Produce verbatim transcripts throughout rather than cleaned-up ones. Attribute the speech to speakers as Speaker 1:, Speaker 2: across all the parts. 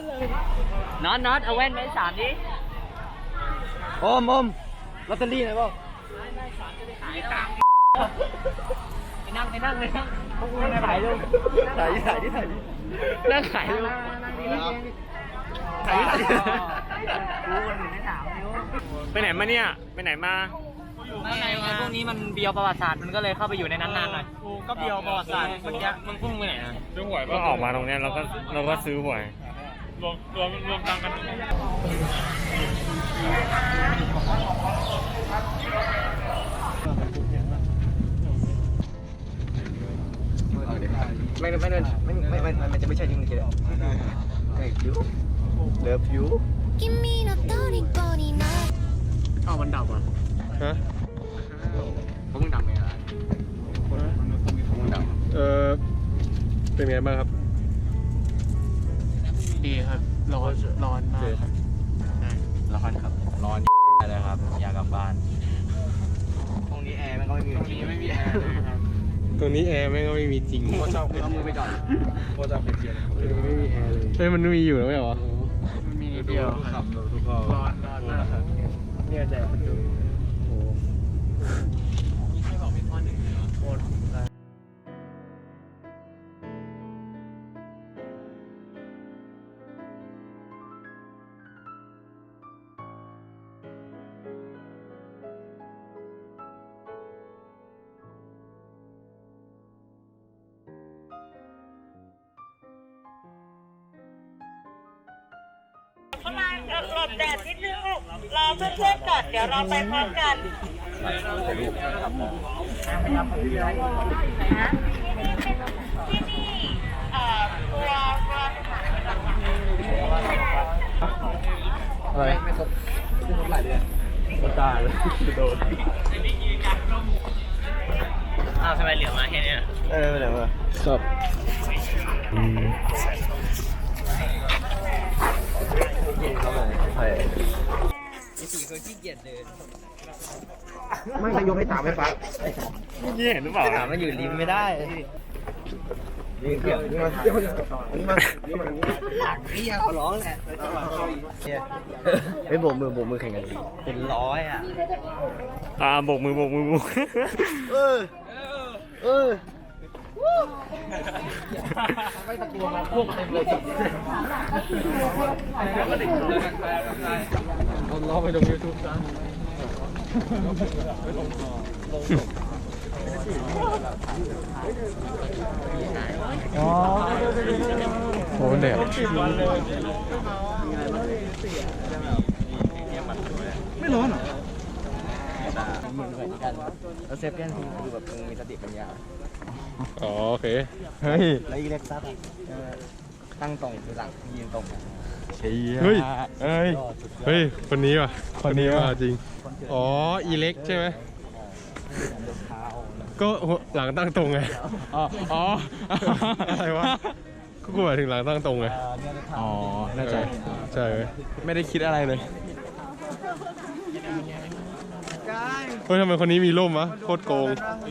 Speaker 1: น็อตน็อตเอาแว่นไปสามดิ
Speaker 2: โอมโอมลอตเตอรี่ไหนบ้าง
Speaker 1: ไปนั่งไปนั่งไปนั่งพวกมึงขายเลย
Speaker 2: ถ่ายถ่ายที่ถ่าย
Speaker 1: นั่งขายเลย
Speaker 2: ถ่ายถ่าย
Speaker 1: กูคนอื่นไม่ถามนิ้ว
Speaker 3: ไปไหนมาเนี่ยไปไหนมา
Speaker 1: ไม่ไงไงพวกนี้มันเบียวประวัติศาสตร์มันก็เลยเข้าไปอยู่ในนั้นนานหน่อย
Speaker 3: กูก็เบียวประวัติศาสตร์เมื่อกี้มึงพุ่งไปไหนนะซื้อหวยก็ออกมาตรงนี้เราก็เราก็ซื้อหวยรวมรวมรวมตังกัน
Speaker 2: ไม่ไม่ไม่ไม่ไม่ไม่มันจะไม่ใช่ที่มึงคิดอะเฮ้ยยูเลิฟยู
Speaker 3: อ้าวมันดับอ่ะฮะ
Speaker 2: พวกมึงดับไหมล่ะพวกมึงดับ
Speaker 3: เออเป็นไงบ้างครับ
Speaker 1: ดีครับร้อนร้อนมากครับ
Speaker 2: ร้อนครับร้อนอะไรครับอยากกลับบ้านตรงนี้แอร์มันก็ไม่มีจริงไม่มีแอร์เลยครับ
Speaker 3: ตรงนี้แอร์แม่งก็ไม่มีจริง
Speaker 2: โคชอบเอามือไปก่อนโคชอบเป็นเชียร์
Speaker 3: ไม่มีแอร์เลยเฮ้ยมันมีอยู่แล้วไม่เหรอ
Speaker 1: มันมีนิดเดียว
Speaker 2: ครับทุกคนร้อนร้อนมากครับเนี่ยแดดมันดูโอ้ไม่บอกเป็นข้อหนึ่งเลยโคตร
Speaker 4: เข้ามาหลบแดดนิดนึงลูกรอเพื่อนๆก่อนเดี๋ยวเราไปพร้อมกันที่นี่เอ่อตัวตัว
Speaker 2: อะไรไม่ครบไม่ครบหลายเดือนมันตายเลยโดน
Speaker 1: อ้าวทำไมเหลือมาแค่นี้
Speaker 2: เออไม่เหลือมาครับใช่
Speaker 1: สี่คนขี้เกียจเดิน
Speaker 2: ไม่ใครยกให้ตามให้ปั๊บ
Speaker 3: นี่เห็นหรือเปล่า
Speaker 2: ถามมันอยู่ริมไม่ได้นี่เกี่ยวนี่มานี่มานี่มานี่มานี่ขอร้องแหละไม่โบกมือโบกมือแข่งกัน
Speaker 1: เป็นร้อยอ่ะ
Speaker 3: อ่าโบกมือโบกมือโบก
Speaker 2: เออเออไม่ตะกัวมาพวกเต็มเลยคนล้อไปลงยูทูบซะอ๋อโหเด็ดไม่ร้อนเหรอมือเหมือนกันแล้วเซฟแกนคือแบบมึงมีสติปัญญา
Speaker 3: อ๋อโอเคเฮ้ย
Speaker 2: แล้วอีเล็กซับตั้งตรงคือหลังยืนตรง
Speaker 3: เฮ้ยเฮ้ยเฮ้ยคนนี้ว่ะคนนี้ว่ะจริงอ๋ออีเล็กใช่ไหมก็หลังตั้งตรงไง
Speaker 2: อ๋ออ๋อ
Speaker 3: อะไรวะก็กูหมายถึงหลังตั้งตรงไง
Speaker 2: อ๋อน่าจะ
Speaker 3: ใช่ไม่ได้คิดอะไรเลยเฮ้ยทำไมคนนี้มีร่มวะโคตรโกง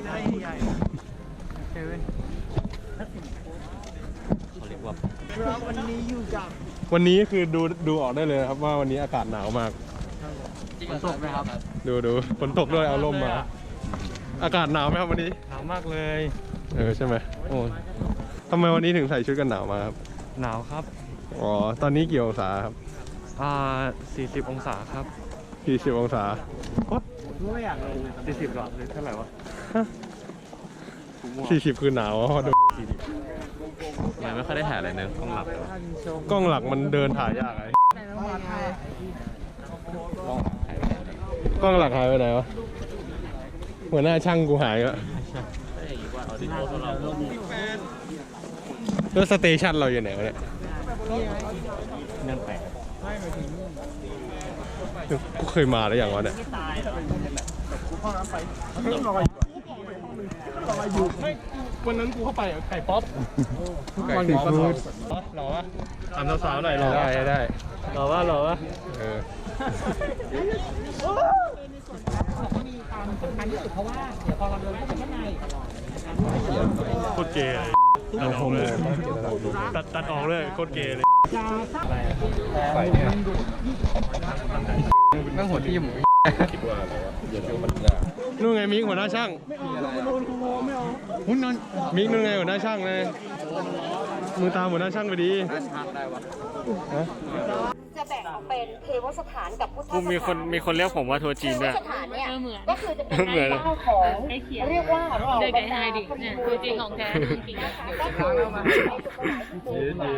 Speaker 3: วันนี้คือดูดูออกได้เลยครับว่าวันนี้อากาศหนาวมาก
Speaker 2: ฝนตกไหมครับ
Speaker 3: ดูดูฝนตกด้วยเอาร่มมาอากาศหนาวไหมครับวันนี้
Speaker 2: หนาวมากเลย
Speaker 3: เออใช่ไหมโอ้ทำไมวันนี้ถึงใส่ชุดกันหนาวมาครับ
Speaker 2: หนาวครับ
Speaker 3: อ๋อตอนนี้กี่องศาครับ
Speaker 2: อ่าสี่สิบองศาครับ
Speaker 3: สี่สิบองศา
Speaker 2: โอ๊ยไม่อยากเลยสี่สิบหรอหรือเท่าไหร่วะ
Speaker 3: สี่สิบคือหนาวอ่ะดู
Speaker 2: ยังไม่ค่อยได้ถ่ายอะไรเนอะกล้องหลัก
Speaker 3: กล้องหลักมันเดินถ่ายยากไงกล้องหลักหายไปไหนวะหัวหน้าช่างกูหายแล้วแล้วสเตชันเราอยู่ไหนวะเนี่ย
Speaker 2: นั่นแปลก
Speaker 3: กูเคยมาแล้วอย่างวะเนี่ยวันนั้นกูเข้าไปไก่ป๊อปไก่ป๊อปหล่อวะถามสาวๆหน่อยหล่อได้ได้หล่อวะหล่อวะเออมีความสำคัญที่สุดเพราะว่าเดี๋ยวพอเราเดินเข้าไปข้างในโคตรเกย์เลยตัดออกเลยตัดตัดออกเลยโคตรเกย์เลยใส่เนี่ยนั่งหัวที่หมูนู่นไงมิกหัวหน้าช่างหุ้นนั่นมิกนู่นไงหัวหน้าช่างเลยมือตามหัวหน้าช่างไปดีฮะ
Speaker 4: จะแบ่งออกเป็นเทวสถานกับพุทธสถาน
Speaker 3: มีคนมีคนเรียกผมว่าทัวร์จีนด้วย
Speaker 4: เทวสถานเนี่ยก็คือจะเป็น
Speaker 3: เหมือน
Speaker 4: เจ้าของเรียกว่า
Speaker 5: เด็กไอ้ไฮดิเนี่ยคือจริงของแท้จริง
Speaker 4: นะคะก็คือนะคะเทพเจ้า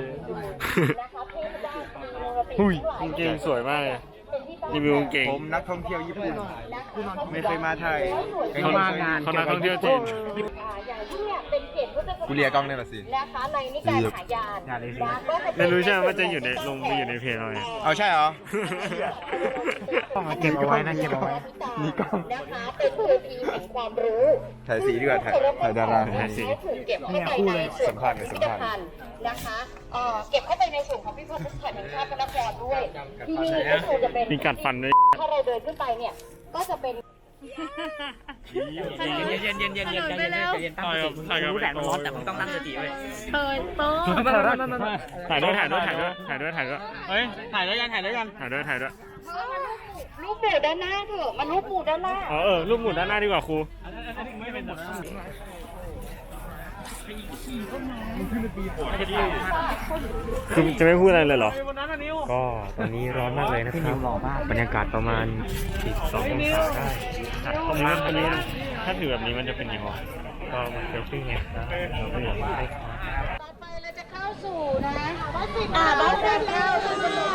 Speaker 4: มี
Speaker 3: หุ้ยกางเกงสวยมากเลยรีวิวกางเกง
Speaker 2: ผมนักท่องเที่ยวญี่ปุ่นไม่เคยมาไทย
Speaker 3: เขามางานเขานักท่องเที่ยวจีน
Speaker 4: อย่างที่เนี่ยเป็นเขตพุทธสถาน
Speaker 2: กูเรียกล้องเนี่ยละสิ
Speaker 4: นะคะในนิกายหายานนะก็จะ
Speaker 3: ไม่รู้ใช่ไหมว่าจะอยู่ในลงไปอยู่ในเพจเราเนี่ย
Speaker 2: เอาใช่เหรอ
Speaker 1: เก็บเอาไว้นะเก็บเอาไว้
Speaker 2: มีกล้อง
Speaker 4: นะคะเป็นเวทีแห่งความรู้
Speaker 2: ถ่ายสีดีกว่าถ่ายถ่ายดารา
Speaker 3: ถ่ายสี
Speaker 4: ถูกเก็บเข้าไปในส่วนของพิพิธภัณฑ์นะคะเอ่อเก็บเข้าไปในส่วนของพิพิธภัณฑ์แห่งชาติพระนครด้วย ที่นี่ก็คือจะเป็น
Speaker 3: มีกัดฟันด้วย
Speaker 4: ถ้าเราเดินขึ้นไปเนี่ยก็จะเป็น
Speaker 1: เย็นเย็นเย็นเย็นเย็นเย็นเย็นเย็นตั้งสติรู้แหละมันร้อนแต่มึงต้องตั้งสติไว้
Speaker 5: เปิดโต๊ะ
Speaker 3: ถ่ายด้วยถ่ายด้วยถ่ายด้วยถ่ายด้วยถ่ายด้วย
Speaker 1: เฮ้ยถ่ายด้วยกันถ่ายด้วยกัน
Speaker 3: ถ่ายด้วยถ่ายด้วย
Speaker 4: รูปหมู่ด้านหน้าเถอะมันรูปหมู่ด้านหน้า
Speaker 3: อ๋อเออรูปหมุนด้านหน้าดีกว่าครูคือจะไม่พูดอะไรเลยเหรอ
Speaker 6: ก็ตอนนี้ร้อนมากเลยนะครับบรรยากาศประมาณสิบสององศาได้
Speaker 3: ตรงนี้ตรงนี้ถ้าถือแบบนี้มันจะเป็นยังไง
Speaker 6: ก็มาเซลฟี่ไงครับเราก็อยากได้ครับ
Speaker 4: ต่อไปเราจะเข้าสู่นะวัดสิบอ่าวัดสิบเก้าวัดสิบเก้า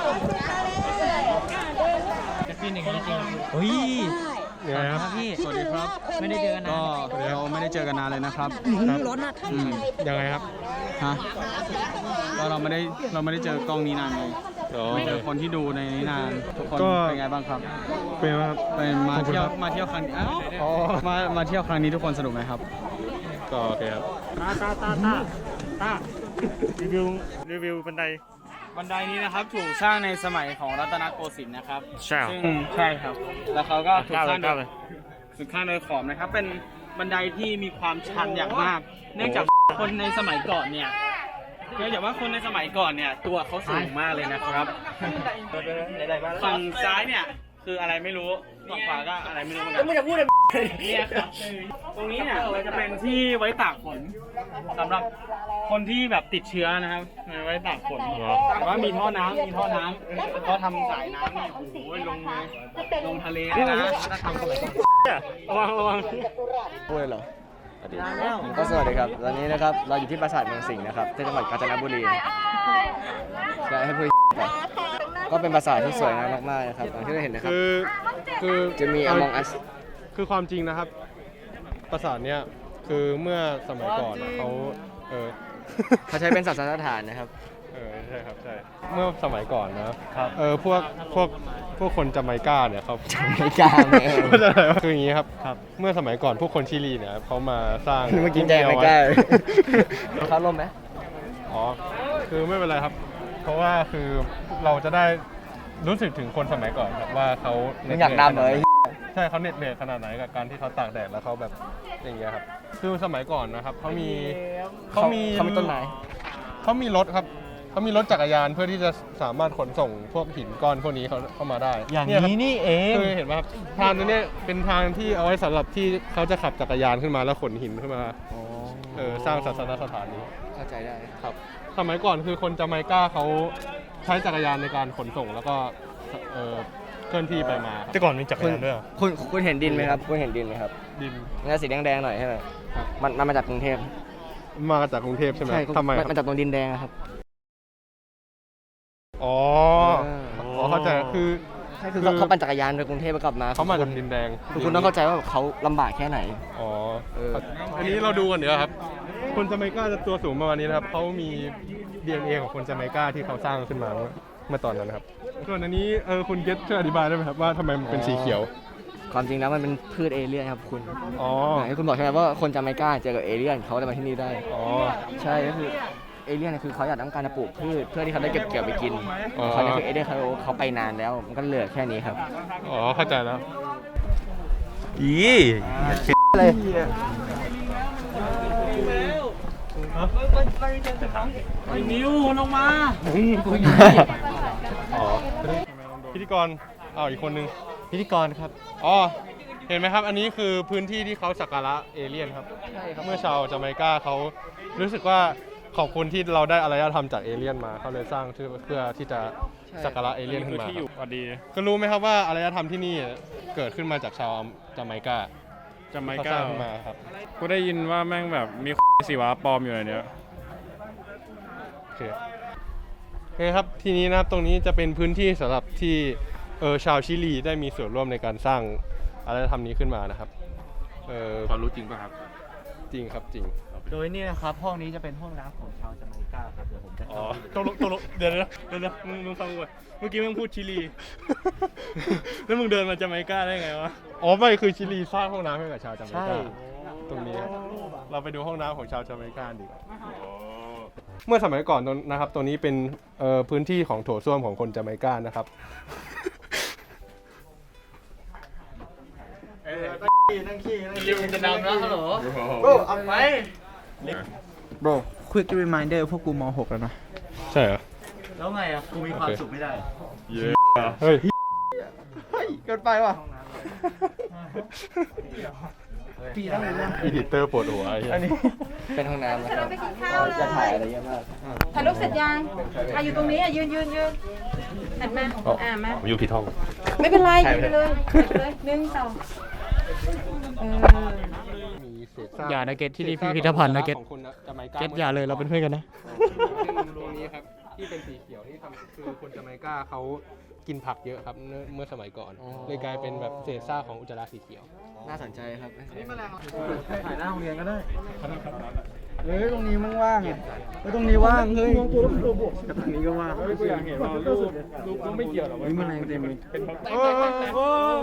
Speaker 1: พี่หนึ่งจริง
Speaker 6: เฮ้ย
Speaker 3: ยังไงครับ
Speaker 1: พี่สวัสดีครับไม่ได้เจอกันนาน
Speaker 6: ก็เราไม่ได้เจอกันนานเลยนะครับ
Speaker 1: ร้อนนะ
Speaker 6: อืม
Speaker 3: ยังไงครับ
Speaker 6: ฮะก็เราไม่ได้เราไม่ได้เจอกล้องนี้นานไง
Speaker 3: อ๋อ
Speaker 6: เจอคนที่ดูในนี้นานทุกคน
Speaker 3: ก็
Speaker 6: เป็นไงบ้างครับ
Speaker 3: เป็นไงบ้างครับ
Speaker 6: เป็นมา
Speaker 3: ขอบคุณ
Speaker 6: เที่ยว
Speaker 3: ครับ
Speaker 6: มาเที่ยวครั้งอ้าว
Speaker 3: อ๋อ
Speaker 6: มามาเที่ยวครั้งนี้ทุกคนสนุกไหมครับ
Speaker 3: ก็โอเคครับ
Speaker 1: ตาตาตาตาตา
Speaker 3: รีวิวรีวิวบันได
Speaker 6: บันไดนี้นะครับถูกสร้างในสมัยของรัตนโกสินทร์นะครับ
Speaker 3: ใช่เหรอ
Speaker 6: ซึ่งใช่ครับ แล้วเขาก็ถูก
Speaker 3: ก้าว
Speaker 6: ส
Speaker 3: เล
Speaker 6: ร้าง
Speaker 3: ย
Speaker 6: โด
Speaker 3: ก้าวย เลย
Speaker 6: สุดข้างโดยขอมนะครับ เป็นบันไดที่มีความชันอย่างมาก เนื่องจากคนในสมัยก่อนเนี่ยเนื่องจากว่าคนในสมัยก่อนเนี่ยตัวเขาสูงมากเลยนะครับ ฝั่งซ้ายเนี่ยคืออะไรไม่รู้ ฝั่งขวาก็อะไรไม่รู้เหมือนกันไม่จะพูดเลยเนี่ยครับตรงนี้เนี่ยจะเป็นที่ไว้ตากฝนสำหรับคนที่แบบติดเชื้อนะครับไว้ตากฝนแต่ว่ามีท่อน้ำมีท่อน้ำก็ทำสายน้ำเนี่ยโอ้โหลงเลยลงทะเลเลยนะถ้าทำสมัยก่อน
Speaker 3: ระวังระวัง
Speaker 2: พูดเลยเหรอก็สวัสดีครับตอนนี้นะครับเราอยู่ที่ปราสาทเมืองสิงห์นะครับที่จังหวัดกาญจนบุรีจะให้พูดก่อนก็เป็นปราสาทที่สวยงามมากๆนะครับอย่างที่เราเห็นนะครับ
Speaker 3: คือคือ
Speaker 2: จะมี Among Us
Speaker 3: คือความจริงนะครับ ปราสาทเนี้ยคือเมื่อสมัยก่อนอะเขาเออ
Speaker 2: เขาใช้เป็นศาสนสถานนะครับ
Speaker 3: เออใช่ครับใช่เมื่อสมัยก่อนนะครับเออพวกพวกพวกคนจาไมกาเนี่ยเขา
Speaker 2: จาไมกาเนี่ย
Speaker 3: เข้าใจไหมวะคืออย่างนี้ครับเมื่อสมัยก่อนพวกคนชิลีเนี่ยเขามาสร้าง
Speaker 2: เมื่อกี้แจงไม่กล้าเขาล่มไหม
Speaker 3: อ๋อคือไม่เป็นไรครับ เพราะว่าคือเราจะได้รู้สึกถึงคนสมัยก่อนครับว่าเขา
Speaker 2: มึงอยากดำเลย
Speaker 3: ใช่เขาเหน็ดเหนื่อยขนาดไหนกับการที่เขาตากแดดแล้วเขาแบบอย่างเงี้ยครับคือสมัยก่อนนะครับเขามีเขามี
Speaker 2: เขามีต้นไม้
Speaker 3: เขามีรถครับเขามีรถจักรยานเพื่อที่จะสามารถขนส่งพวกหินก้อนพวกนี้เขาเข้ามาได้
Speaker 6: อย่างนี้
Speaker 3: ครับ
Speaker 6: นี่เอง
Speaker 3: คือเห็นไหมครับทางนี้เนี่ยเป็นทางที่เอาไว้สำหรับที่เขาจะขับจักรยานขึ้นมาแล้วขนหินขึ้นมาเออสร้างศาสนสถานนี้
Speaker 2: เข้าใจได้
Speaker 3: ครับสมัยก่อนคือคนจาไมกาเขาใช้จักรยานในการขนส่งแล้วก็เออเคลื่อนที่ไปมาครับ
Speaker 6: แต่ก่อนมีจักรยานด้วยเหรอ
Speaker 2: คุณคุณเห็นดินไหมครับคุณเห็นดินไหมครับ
Speaker 3: ดิน
Speaker 2: มันจะสีแดงๆหน่อยใช่ไหม
Speaker 3: ครับ
Speaker 2: มันมันมาจากกรุงเทพ
Speaker 3: มาจากกรุงเทพใช่ไหมทำไมค
Speaker 2: มั
Speaker 3: รับ
Speaker 2: นมาจากตรงดินแดงอะครับ
Speaker 3: อ๋อ
Speaker 2: เออ
Speaker 3: อ๋อเข้าใจคือ
Speaker 2: ใช่คือเขาเขาปั่นจักรยานไปกรุงเทพไปกลับมา
Speaker 3: เขามา
Speaker 2: คุ
Speaker 3: จาก
Speaker 2: ณ
Speaker 3: ดินแดง
Speaker 2: คือคุณต้องเข้าใจว่าเขาลำบากแค่ไหน
Speaker 3: อ๋อ
Speaker 2: เออ
Speaker 3: อันนี้เราดูกันเดี๋ยวครับ คนจาไมกาจะตัวสูงประมาณนี้นะครับเขามี ดี เอ็น เอ ของคนจาไมกาที่เขาสร้างขึ้นมาเมื่อเมื่อตอนนั้นนะครับส่วนอันนี้เออคุณเกตช่วยอธิบายได้ไหมครับว่าทำไมมันเป็นสีเขียว
Speaker 2: ความจริงแล้วมันเป็นพืชเอเลี่ยนครับคุณ
Speaker 3: อ๋อ
Speaker 2: ไหนคุณบอกใช่ไหมว่าคนจาไมกาเจอกับเอเลี่ยนเขาเลยมาที่นี่ได้
Speaker 3: อ๋อ
Speaker 2: ใช่ก็คือเอเลี่ยนเนี่ยคือเขาอยากต้องการจะปลูกพืชเพื่อที่เขาได้เก็บเกี่ยวไปกิน
Speaker 3: อ๋อ
Speaker 2: เขาเนี่ยคือเอเลี่ยนเขาเขาไปนานแล้วมันก็เหลือแค่นี้ครับ
Speaker 3: อ๋อเข้าใจแล้ว
Speaker 6: อี
Speaker 2: เลย
Speaker 6: ไอ้นิวลงมา
Speaker 3: อ๋อพิธีกรอ้าวอีกคนนึง
Speaker 2: พิธีกรครับ
Speaker 3: อ๋อเห็นไหมครับ อันนี้คือพื้นที่ที่เขาสักการะเอเลี่ยนครับเมื่อชาวจาเมกาเขารู้สึกว่าขอบคุณที่เราได้อารยธรรมจากเอเลี่ยนมาเขาเลยสร้างเพื่อที่จะสักการะเอเลี่ยนขึ้นมาครับ
Speaker 7: พอดี
Speaker 3: ก็รู้ไหมครับว่าอารยธรรมที่นี่เกิดขึ้นมาจากชาวจาเมกา
Speaker 7: จาไม
Speaker 3: เขาส
Speaker 7: กา
Speaker 3: ร้างขึ้นมาครับ
Speaker 7: กูได้ยินว่าแม่งแบบมีสีวะปลอมอยู่ในเนี้ย
Speaker 3: โอเคโอเคครับทีนี้นะครับตรงนี้จะเป็นพื้นที่สำหรับที่เออชาวชิลีได้มีส่วนร่วมในการสร้างอารยธรรมนี้ขึ้นมานะครับเออ
Speaker 7: ความรู้จริงป่ะครับ
Speaker 3: จริงครับจริง
Speaker 1: โดยนี่นะครับห้องนี้จะเป็นห้องน้ำของชาวจาเมกาครับเดี๋ยวผมจะ
Speaker 7: อ๋อตกลงตกลงเดี๋ยวนะเดี๋ยวนะมึงมึงฟังกูก่อนเมื่อกี้มึงพูดชิลี แล้วมึงเดินมาจาไมกาได้ไงวะ
Speaker 3: อ๋อไม่คือชิลีสร้างห้องน้ำให้กับชาวจาเม
Speaker 1: ใช่
Speaker 3: กาตรงนี้ครับเราไปดูห้องน้ำของชาวจาเมกาดีกว่าเมื่อสมัยก่อนตรงนะครับตรงนี้เป็นเอ่อพื้นที่ของโถส้วมของคนจาเมกานะครับ
Speaker 1: ริวจะดำแล้วฮัลโหล
Speaker 6: เอาไป
Speaker 2: bro
Speaker 6: quick reminder พวกกูม หก แล้วนะ
Speaker 3: ใช่เหรอ
Speaker 1: แล้วไงอ่ะกูมีความสุขไม่ได้
Speaker 3: เฮ้ย
Speaker 2: เกินไปว่ะ
Speaker 3: อีดิเตอร์ปวดหัวไอ้เหี้ย
Speaker 2: อันนี้เป็นห้องน้ำนะครับ
Speaker 4: ไปกินข้าวเลย
Speaker 2: จะถ่ายอะไรเยอะมาก
Speaker 4: ถ่ายรูปเสร็จยังอ่ะอยู่ตรงนี้อ่ะยืนยืนยืนหันมาอ่ะมา
Speaker 3: ผมอยู่ผิดห้อง
Speaker 4: ไม่เป็นไรยืนไปเลยยืนไปเลยหนึ่งสองเออ
Speaker 3: มีเศษซาก
Speaker 1: อย่านะเกตที่นี่พิพิธภัณฑ์นะเกต
Speaker 3: ของคนจาเมกา
Speaker 1: เกตอย่าเลยเราเป็นเพื่อนกันนะ
Speaker 3: ซึ่งตรงนี้ครับที่เป็นสีเขียวที่ทำคือคนจาเมกาเขากินผักเยอะครับเมื่อเมื่อสมัยก่อน
Speaker 2: อ๋อ
Speaker 3: เลยกลายเป็นแบบเศษซากของอุจจาระสีเขียว
Speaker 2: น่าสนใจครับ
Speaker 6: ถ่ายหน้าโรงเรียนก็ได้
Speaker 2: เฮ้ยตรงนี้มันว่างเฮ้ยตรงนี้ว่างเฮ้ย
Speaker 6: แต่ตรงนี้ก็ว่าง
Speaker 7: เฮ้ยกูอยากเห็นว่ารูปรูปก็ไม่เกี่ยวหรอก
Speaker 6: นี่มันแรงเต็มเลย
Speaker 7: เป็น
Speaker 3: โอ้โห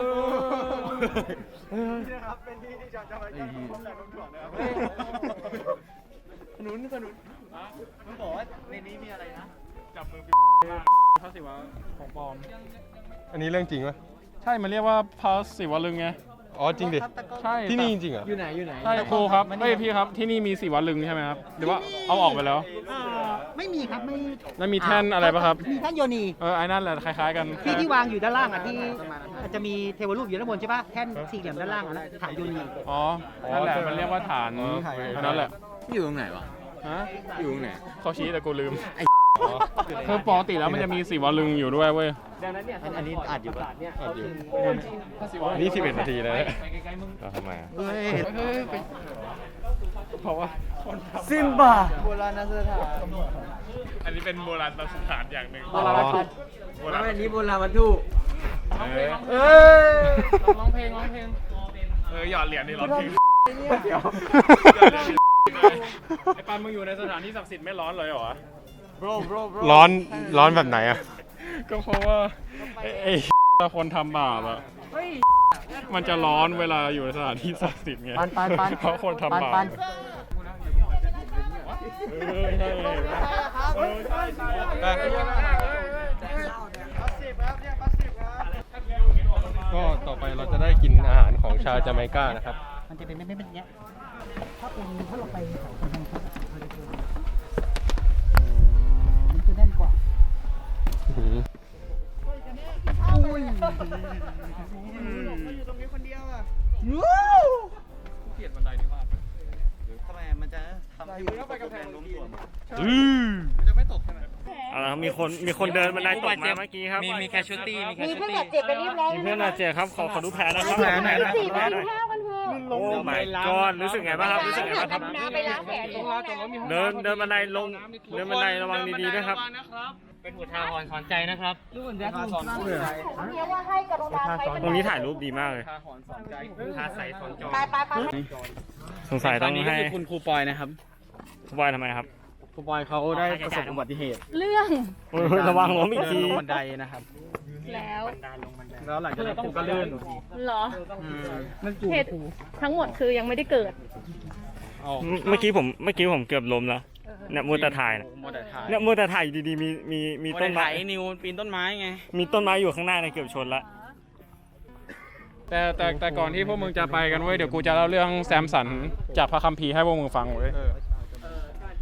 Speaker 1: ขนุนขนุนมึงบอกว่าในนี้มีอะไรนะ
Speaker 7: จับมือพระศิวะของปลอม
Speaker 3: อันนี้เรื่องจริงไหม
Speaker 7: ใช่มันเรียกว่าพระศิวลึงไง
Speaker 3: อ๋อจริงดิ
Speaker 7: ใช่
Speaker 3: ที่นี่จริงๆเหรอ
Speaker 2: อยู่ไหนอยู่ไหน
Speaker 7: ใช่ครูครับเฮ้ยพี่ครับที่นี่มีศิวลึงใช่ไหมครับหรือว่าเอาออกไปแล้ว
Speaker 8: ไม่มีครับ ไม่
Speaker 7: แล้วมีแท่นอะไรป่ะครับ
Speaker 8: มีแท่นโยนี
Speaker 7: เออไอ้นั่นแหละคล้ายๆกัน
Speaker 8: ที่ที่วางอยู่ด้านล่างอ่ะที่จะมีเทวรูปอยู่ด้านบนใช่ป่ะแท่นสี่เหลี่ยมด้านล่างอ่ะนะฐานโยนี
Speaker 7: อ๋อนั่นแหละมันเรียกว่าฐานอันนั้นแหละ
Speaker 2: อยู่ตรงไหนวะ
Speaker 7: ฮะ
Speaker 2: อยู่ตรงไหน
Speaker 7: เขาชี้แต่กูลืมคือปกติแล้วมันจะมีศิวลึงอยู่ด้วยเว้ย
Speaker 2: อันอันนี้อัดอยู่ปะ
Speaker 3: อัดอยู่นี่สิบเอ็ดนาทีแล้วเราทำไมอะ
Speaker 2: เฮ้ย
Speaker 7: เพราะว่า
Speaker 2: ซิมบาโบราณสถาน
Speaker 7: อันนี้เป็นโบราณสถานอย่างหนึ่ง
Speaker 2: โบราณวัตถุ
Speaker 7: โบราณ
Speaker 2: อันนี้โบราณวัตถุ
Speaker 7: เออ
Speaker 2: เอ้ย
Speaker 7: ร้องเพลงร้องเพลงเออหยอดเหรียญนี่ร้องเพลง
Speaker 2: เดี๋ยว
Speaker 7: ไอ้ปันมึงอยู่ในสถานที่ศักดิ์สิทธิ์ไม่ร้อนเลยเหรอ
Speaker 2: bro bro bro
Speaker 3: ร้อนร้อนแบบไหนอะ
Speaker 7: ก็เพราะว่าไอ้ไอ้คนทำบาปอะมันจะร้อนเวลาอยู่ในสถานที่ศักดิ์สิทธิ์ไง
Speaker 2: ปันปันปัน
Speaker 7: เพราะคนทำบาป
Speaker 2: ปัน
Speaker 7: เออใช่เออใช่ใช่
Speaker 3: ก็ต่อไปเราจะได้กินอาหารของชาวจาเมกานะครับ
Speaker 8: มันจะเป็นไม่ไม่เป็นอย่างเงี้ยถ้าเป็นถ้าเราไปเขาคนทางเขามันจะแน่นกว่า
Speaker 7: เกลียดบันไดนี้มาก
Speaker 6: ทำไมมันจะทำให้มันไปกำแพงล้มตัว
Speaker 7: อือ
Speaker 6: มันจะไม่ตกใช่ไหม
Speaker 7: เอาละครับมีคนมีคนเดินบันไดตกมาเมื่อกี้ครับ
Speaker 1: มีมีแคชชูตี้มีแคช
Speaker 4: มี
Speaker 1: ชู
Speaker 4: เพื่อน
Speaker 1: ตี้
Speaker 4: บาดเจ็บไปเรียบร้อย
Speaker 7: มี
Speaker 4: แล้ว
Speaker 7: เพื่อนบาดเจ็บครับขอขอดูแผลนะครับ
Speaker 6: แผลไหนนะ
Speaker 4: สี่ไปกินข้าวกันเถอะ
Speaker 7: โอ้ my god รู้สึกไงบ้างครับรู้สึกไงบ้างครับ
Speaker 4: น้ำไปล้างแผลตรงนั้น
Speaker 7: เดินเดินบันไดลงเดินบันไดระวังดีๆด้วยครับ
Speaker 1: เป็นอุทาหรณ์สอนใจนะครับ
Speaker 4: เนี้ยว่าให้กรุณาใช้
Speaker 7: ตรงนี้ถ่ายรูปดีมากเลย
Speaker 1: ทาใสสอนจอ
Speaker 4: ไปไปไป
Speaker 7: สงสัยต้อง
Speaker 6: นี้ก็
Speaker 7: ให้
Speaker 6: คือคุณครูปอยนะครับ
Speaker 7: คุณบอยทำไมครับ
Speaker 6: ครูปอยเขาได้ประสบอุบัติเหตุ
Speaker 5: เรื่อง
Speaker 7: โอ้ยระวังล้มอีก
Speaker 6: เดิน
Speaker 7: ที
Speaker 6: ลงบันไดนะครับ
Speaker 5: แล้ว
Speaker 6: แล้วหลังจากนั้นคุณก็ลื่น
Speaker 5: เหรอ
Speaker 6: อืม
Speaker 5: เหตุทั้งหมดคือยังไม่ได้เกิด
Speaker 6: เอา
Speaker 7: เมื่อกี้ผมเมื่อกี้ผมเกือบล้มแล้วเนี่ยมัวแต่ถ่ายเนี่ย
Speaker 6: มัวแต่ถ่าย
Speaker 7: เนี่ยมัวแต่ถ่ายอยู่ดีๆมีมีมี
Speaker 6: มัว
Speaker 7: ต้
Speaker 6: แต่
Speaker 7: นไม้
Speaker 6: ถ่ายไอ้นิวปีนต้นไม้ไง
Speaker 7: มีต้นไม้อยู่ข้างหน้าเนี่ยเกือบชนละ แต่แต่แต่ก่อนที่พวกมึงจะไปกันเว้ยเดี๋ยวกูจะเล่าเรื่องแซมสันจากพระคัมภีร์ให้พวกมึงฟังเว้ย
Speaker 6: เออ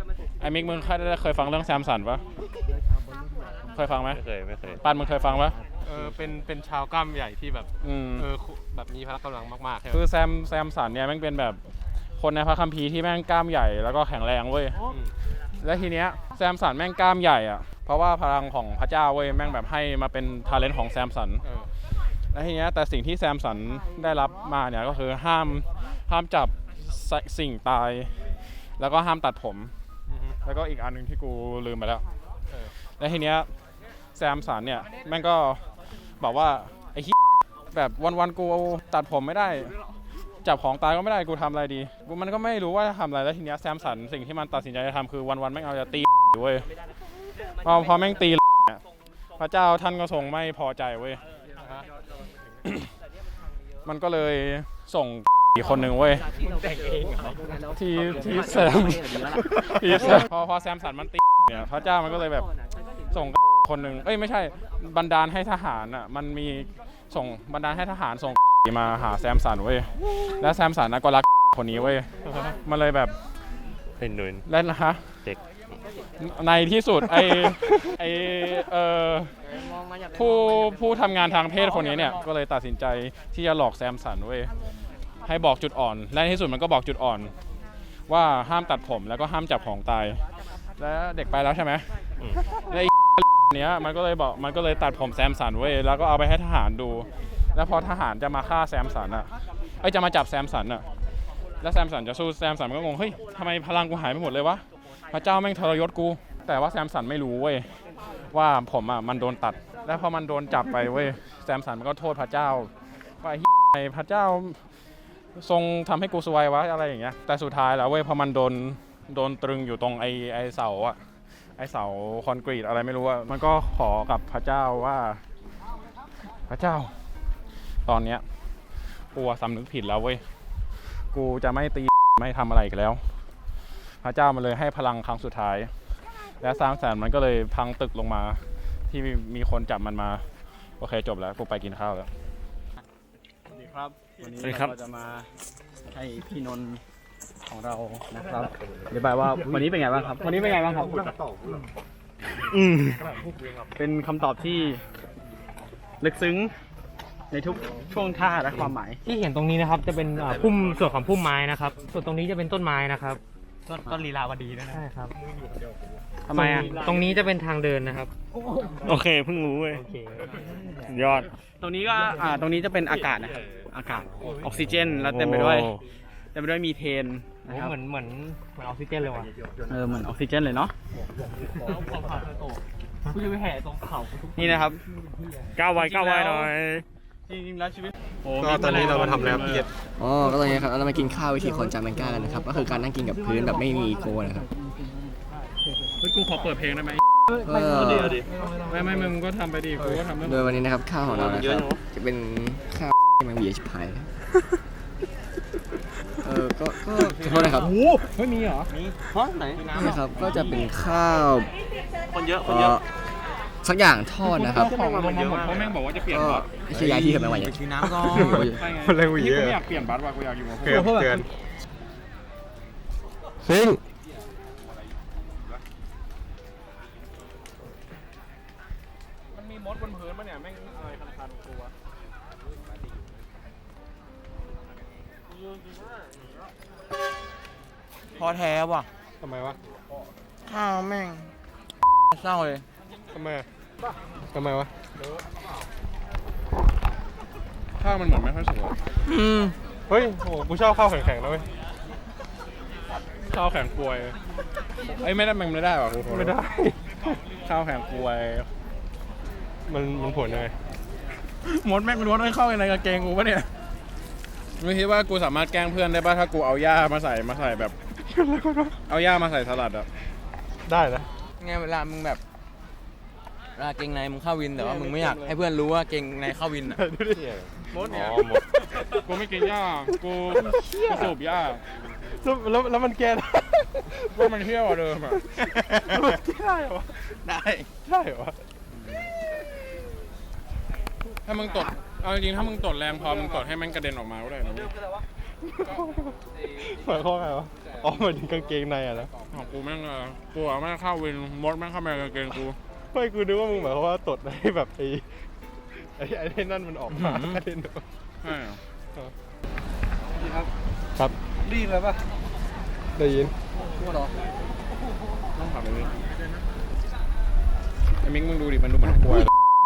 Speaker 7: ไอ้มิกมึงเคยเคยฟังเรื่องแซมสันปะเคยฟังไหม
Speaker 3: ไม่เคยไม่เคย
Speaker 7: ปันมึงเคยฟังปะ
Speaker 3: เออเป็นเป็นชาวกล้ามใหญ่ที่แบบ
Speaker 7: อืม
Speaker 3: เออแบบมีพละกำลังมากๆใช่ไหม
Speaker 7: คือแซมแซมสันเนี่ยแม่งเป็นแบบคนในพระคัมภีร์ที่แม่งกล้ามใหญ่แล้วก็แข็งแรงเว้ย
Speaker 3: อืม
Speaker 7: และทีเนี้ยแซมสันแม่งกล้ามใหญ่อะเพราะว่าพลังของพระเจ้าเว้ยแม่งแบบให้มาเป็นทาเลนต์ของแซมสัน
Speaker 3: เออ
Speaker 7: และทีเนี้ยแต่สิ่งที่แซมสันได้รับมาเนี่ยก็คือห้ามห้ามจับสสิ่งตาย แล้วก็ห้ามตัดผม
Speaker 3: อือฮึ
Speaker 7: แล้วก็อีกอันหนึ่งที่กูลืมไปแล้ว
Speaker 3: เออ
Speaker 7: และทีเนี้ยแซมสันเนี่ยแม่งก็บอกว่าไอ้เหี้ยแบบวันๆกูตัดผมไม่ได้ จับของตายก็ไม่ได้กูทำอะไรดีกูมันก็ไม่รู้ว่าจะทำอะไรแล้วทีเนี้ยแซมสันสิ่งที่มันตัดสินใจจะทำคือวันๆแม่งเอาจะตีเว้ยพอพอแม่งตีเนี่ยพระเจ้าท่านก็ทรงไม่พอใจเว้ย มันก็เลยส่งอีกคนหนึ่งเว้ยที่ที่แซมที่แซมพอพอแซมสันมันตีเนี่ยพระเจ้ามันก็เลยแบบส่งคนหนึ่งเอ้ยไม่ใช่บันดาลให้ทหารอ่ะมันมีส่งบันดาลให้ทหารส่งมาหาแซมสันเว้ยแล้วแซมสันนะก็รักคนนี้เว้ยมันเลยแบบ
Speaker 3: เป็นหนุน
Speaker 7: เล่นนะฮะ
Speaker 3: เด็ก
Speaker 7: ในที่สุดไอไอเออผู้ผู้ทำงานทางเพศคนนี้เนี่ยก็เลยตัดสินใจที่จะหลอกแซมสันเว้ยให้บอกจุดอ่อนและในที่สุดมันก็บอกจุดอ่อน ว่าห้ามตัดผมแล้วก็ห้ามจับของตาย แล้วเด็กไปแล้วใช่ไหมและไอ้เนี้ยมันก็เลยบอกมันก็เลยตัดผมแซมสันเว้ยแล้วก็เอาไปให้ทหารดู แล้วพอทหารจะมาฆ่าแซมสันอ่ะไอ้ยจะมาจับแซมสันอ่ะแล้วแซมสันจะสู้แซมสันมันก็งงเฮ้ยทำไมพลังกูหายไปหมดเลยวะพระเจ้าแม่งทรยศกูแต่ว่าแซมสันไม่รู้เว้ยว่าผมอ่ะมันโดนตัดแล้วพอมันโดนจับไปเว้ยแซมสันมันก็โทษพระเจ้าว่าไอ้เหี้ยพระเจ้าทรงทำให้กูซวยวะอะไรอย่างเงี้ยแต่สุดท้ายแล้วเว้ยพอมันโดนโดนตรึงอยู่ตรงไอ้ไอ้เสาอ่ะไอ้เสาคอนกรีตอะไรไม่รู้อ่ะมันก็ขอกับพระเจ้าว่าพระเจ้าตอนเนี้ยกูสำนึกผิดแล้วเว้ยกูจะไม่ตีไม่ทำอะไรอีกแล้วพระเจ้ามันเลยให้พลังครั้งสุดท้ายและสร้างแสนมันก็เลยพังตึกลงมาที่มีคนจับมันมาโอเคจบแล้วกูไปกินข้าวแล้ว
Speaker 6: สวัสดีครับวันนี้
Speaker 2: สวัสดีครับ
Speaker 6: เราจะมาให้พี่นนท์ของเรานะครับอธิบายว่าวันนี้เป็นไงบ้างครับ วันนี้เป็นไงบ้างครับอืมเป็นคำตอบที่ลึกซึ้งในทุกช่วงท่าและความหมาย
Speaker 1: ที่เห็นตรงนี้นะครับจะเป็นอ่าพุ่มส่วนของพุ่มไม้นะครับ ส่วนตรงนี้จะเป็นต้นไม้นะครับ ต้นต้นลีลาวดีด้วยนะใช่ครับ
Speaker 6: ทำไมอ่ะ
Speaker 1: ตรงนี้จะเป็นทางเดินนะครับ
Speaker 6: โอเคเพิ่งรู้เว้ย
Speaker 1: โอเค
Speaker 6: ยอด ตรงนี้ก็อ่าตรงนี้จะเป็นอากาศนะครับอากาศออกซิเจนแล้วเต็มไปด้วยเต็มไปด้วยมีเทน
Speaker 1: โอ้
Speaker 6: นะครับ
Speaker 1: เหมือนเหมือนเหมือนออกซิเจนเลยว่ะ
Speaker 6: เออเหมือนออกซิเจนเลยเนาะ
Speaker 1: กูจะไปแห่ตรงเขา
Speaker 6: นี่นะครับ
Speaker 7: ก้าวไว้ก้าวไว้หน่อย
Speaker 6: จริงๆแล้วชีวิตโอ้
Speaker 3: ก็ตอนนี้เรามาทำอะไรครับพี่เอ็ด
Speaker 2: อ๋อก็ตอนนี้ครับเรามากินข้าววิธีคนจาเมกากันนะครับก็คือการนั่งกินกับพื้นแบบไม่มีอีโก้นะครับ
Speaker 7: เฮ้ยกูขอเปิดเพลงได้ไหม
Speaker 2: ก็
Speaker 7: ไม่ไม่มึงก็ทำไปดิกูก็ทำไม่
Speaker 2: โดยวันนี้นะครับข้าวของเรานะครับจะเป็นข้าวที่มันเบียร์ชิบหายเออก็ก็ขอโทษนะครับ
Speaker 1: เฮ้ยมีเหรอ
Speaker 6: ฮะไหน
Speaker 2: นี่นะครับก็จะเป็นข้าว
Speaker 6: คนเยอะ ค
Speaker 2: เอ่
Speaker 6: นเยอะ
Speaker 2: อสักอย่างทอดนะครับ
Speaker 7: ของลงมาหมดเพราะแม่งบอกว่าจะเปลี่ยน
Speaker 2: ก็
Speaker 7: บัตร
Speaker 2: ไม่ใช่ย้ายที่กันไปวันนี้
Speaker 6: น้ำก่อน
Speaker 7: ใช่ไง
Speaker 3: อะไรกู
Speaker 7: พี่
Speaker 3: เย
Speaker 7: กู
Speaker 3: อะ
Speaker 7: ไม่อยากเปลี่ยนบัตรว่ะกูอยากอยู่กับพวก
Speaker 3: เกินเกินซิง
Speaker 7: มันมีมดบนพื้นปะเนี่ยแม่งอะไรคันๆกูวะ
Speaker 6: พอแท้ว่ะ
Speaker 3: ทำไมวะ
Speaker 6: ข้าวแม่งเศร้าเลย
Speaker 3: ทำไมทำไมวะ
Speaker 7: ข้าวมันเหมือนไม่ค่อยสุกอะ
Speaker 6: อืม
Speaker 3: เฮ้ยโหกูชอบข้าวแข็งๆนะเว้ย
Speaker 7: ข้าวแข็งกลวยเอ้ยไม่ได้มันไม่ได้ว่ะกูขอโทษ
Speaker 3: ไม่ได้
Speaker 7: ข้าวแข็งกลวย
Speaker 3: มันมันผลยังไง
Speaker 7: มดแม่งมันมดไม่เข้าในกางเกงกูปะเนี่ยไม่คิดว่ากูสามารถแกล้งเพื่อนได้ป่ะถ้ากูเอาหญ้ามาใส่มาใส่แบบ เอาหญ้ามาใส่สลัดอะ
Speaker 3: ได้นะ
Speaker 9: ไงเวลามึงแบบเวลาเกงในมึงเข้าวินแต่ว่ามึงไม่อยากให้เพื่อนรู้ว่าเกงในเข้าวินอ่ะ
Speaker 3: ดูดิ
Speaker 7: มดเนี่ย
Speaker 3: อ๋อหมด
Speaker 7: กูไม่กินหญ้ากูกูสูบหญ้า
Speaker 3: แล้วแล้วแล้วมันแก้ได้
Speaker 7: ว่ามันเที่ยวกว่าเดิมอะ
Speaker 3: มันแก้ได้เหรอวะ
Speaker 6: ได้
Speaker 3: ได้เหรอวะ
Speaker 7: ถ้ามึงตดเอาจริงๆถ้ามึงตดแรงพอมึงตดให้มันกระเด็นออกมาก็ได้นะเว้ย
Speaker 3: หมายความว่าไงวะอ๋อหมายถึงกางเกงในอะนะ
Speaker 7: ของกูแม่งเออกูอะแม่งเข้าวินมดแม่งเข้ามาในกางเกงกู
Speaker 3: ไม่กูนึกว่ามึงหมายความว่าตดให้แบบไอ้ไอ้ไอ้ไอ้นั่นมันออกมา
Speaker 7: อืม
Speaker 3: เล่นเหรอ
Speaker 7: ใช่เหรอ
Speaker 3: ครับครับได้ยินแล้วปะได้ยิน
Speaker 7: ต้องถามไอ้มิกไอ้มิกมึงดูดิมันดูเหมือนกลัวเลย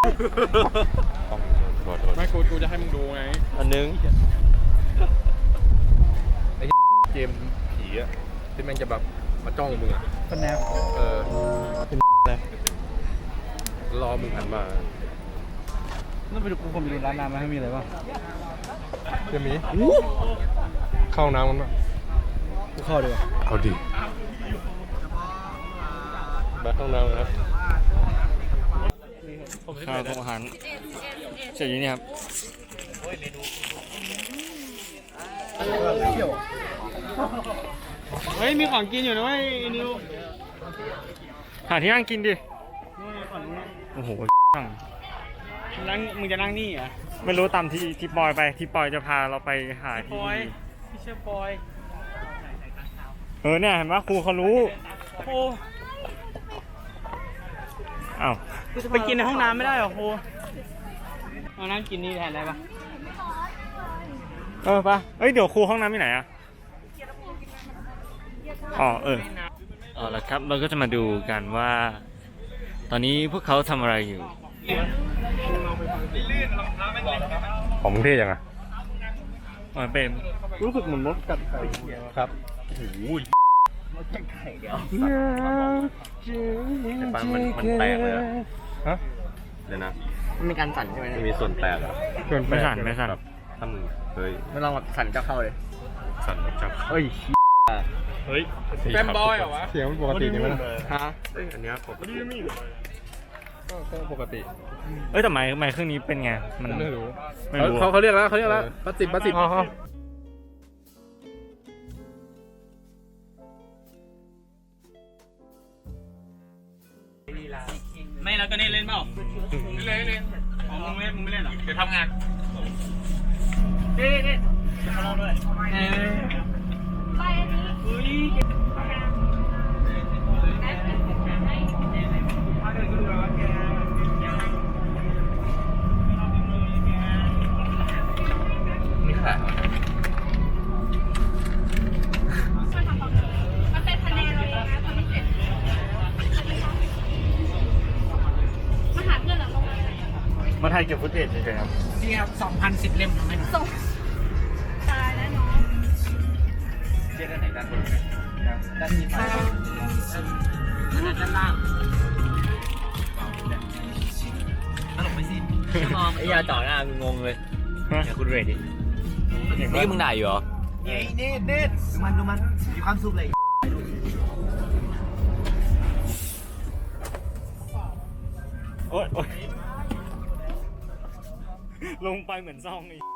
Speaker 7: ไม่กูกูจะให้มึงดูไง
Speaker 3: อันนึงไอ้เกมผีอะที่แม่งจะแบบมาจ้องมึงอะ
Speaker 8: เป็นแนว
Speaker 3: เออเป็นอะไรรอมึงหันมา
Speaker 8: นั่นไปดูกูผมไปดูร้านน้ำมาให้มีอะไรบ้าง
Speaker 3: จะมีเข้าน้ำกันปะ
Speaker 8: กูเข้าดีกว่า
Speaker 3: เอาดิไปห้องน้ำนะครับ
Speaker 2: ข้าวของอาหารเสร็จอยู่นี่ครับ
Speaker 6: เฮ้ยมีของกินอยู่นะเว้ยไอ้นิว
Speaker 1: หาที่นั่งกินดิ
Speaker 6: นู่นฝั่งนู้น
Speaker 1: โอ้โห
Speaker 6: นั่งมึงจะนั่งนี่เหรอ
Speaker 1: ไม่รู้ตามที่ที่ปอยไปที่ปอยจะพาเราไปหา
Speaker 6: ป
Speaker 1: ที่
Speaker 6: อย
Speaker 1: ดี
Speaker 6: พี่เชื่อปอย
Speaker 1: เออเนี่ยเห็นไหมครูเขารู้
Speaker 6: โอ้
Speaker 1: อ้าว
Speaker 6: ไปกินในห้องน้ำไม่ได้เหรอครูมานั่งกินนี่แทนได้ปะ
Speaker 1: เออปะเอ้ยเดี๋ยวครูห้องน้ำที่ไหนอะอ๋อเออเอาละครับเราก็จะมาดูกันว่า ตอนนี้พวกเขาทำอะไรอยู่
Speaker 3: ของมึงเท่ยังไง
Speaker 1: มันเป็น
Speaker 3: รู้สึกเหมือนมดกัดไข่ครับโอ้โหแต่ปันมันมันแตกเลยอะฮะเดี๋ยวนะ
Speaker 2: มันมีการสั่นใช่ไหม
Speaker 3: มันมีส่วนแตกเหรอ
Speaker 1: ไม่สั่นไม่สั่น
Speaker 3: แบบถ้ามึงเคย
Speaker 2: ไม่ลองแบบสั่นจะเข้าเลย
Speaker 3: สั่นจับ
Speaker 2: เอ้ย
Speaker 3: เฮ้ย
Speaker 6: แฟมบอยเหรอวะ
Speaker 3: เสียงมันปกตินี่มั้ย
Speaker 2: ฮะ
Speaker 3: เอ้ยอันเนี้ยปกติก็ก็ปกติ
Speaker 1: เอ้ยแต่ไม้ไม้เครื่องนี้เป็นไงมัน
Speaker 3: ไม่รู้
Speaker 1: ไม่รู้
Speaker 3: เขาเขาเรียกแล้วเขาเรียกแล้วปัดสิบปัดสิบ
Speaker 6: ไม่แล้วก็นี่เล่นเปล่าเล่นเล่นอ๋อมึงเล่นมึงไม่เล่นเหรอเดี๋ยวทำงานเล่นเล่นมาลองด้วยเออไปอันนี้อุ้ยนี่ค่ะ
Speaker 5: มันเป็นคะแนนเราเองนะตอนนี้เสร็จมาหาเพื่อนเหรอ
Speaker 1: มาถ่ายเก็บฟุตเทจเฉยๆครับ
Speaker 8: นี่ครับสองพันสิบเล่มทำไหม
Speaker 5: ส่งตายแล้วน้อง
Speaker 8: เรียกด้านไหนด้านบนด้านนี้ไปด้านล่างตลกไปสิ
Speaker 9: ไอ้ยาจ่อหน้ามึงงงเลย
Speaker 1: ฮะ
Speaker 9: เนี่ยคุณเรดดินี่มึงด่าอยู่เหรอ
Speaker 8: เฮ้ยเน็ตเน็ตดูมันดูมันมีความสุขเลย
Speaker 1: โอ๊ยโอ๊ยลงไปเหมือนซองอีก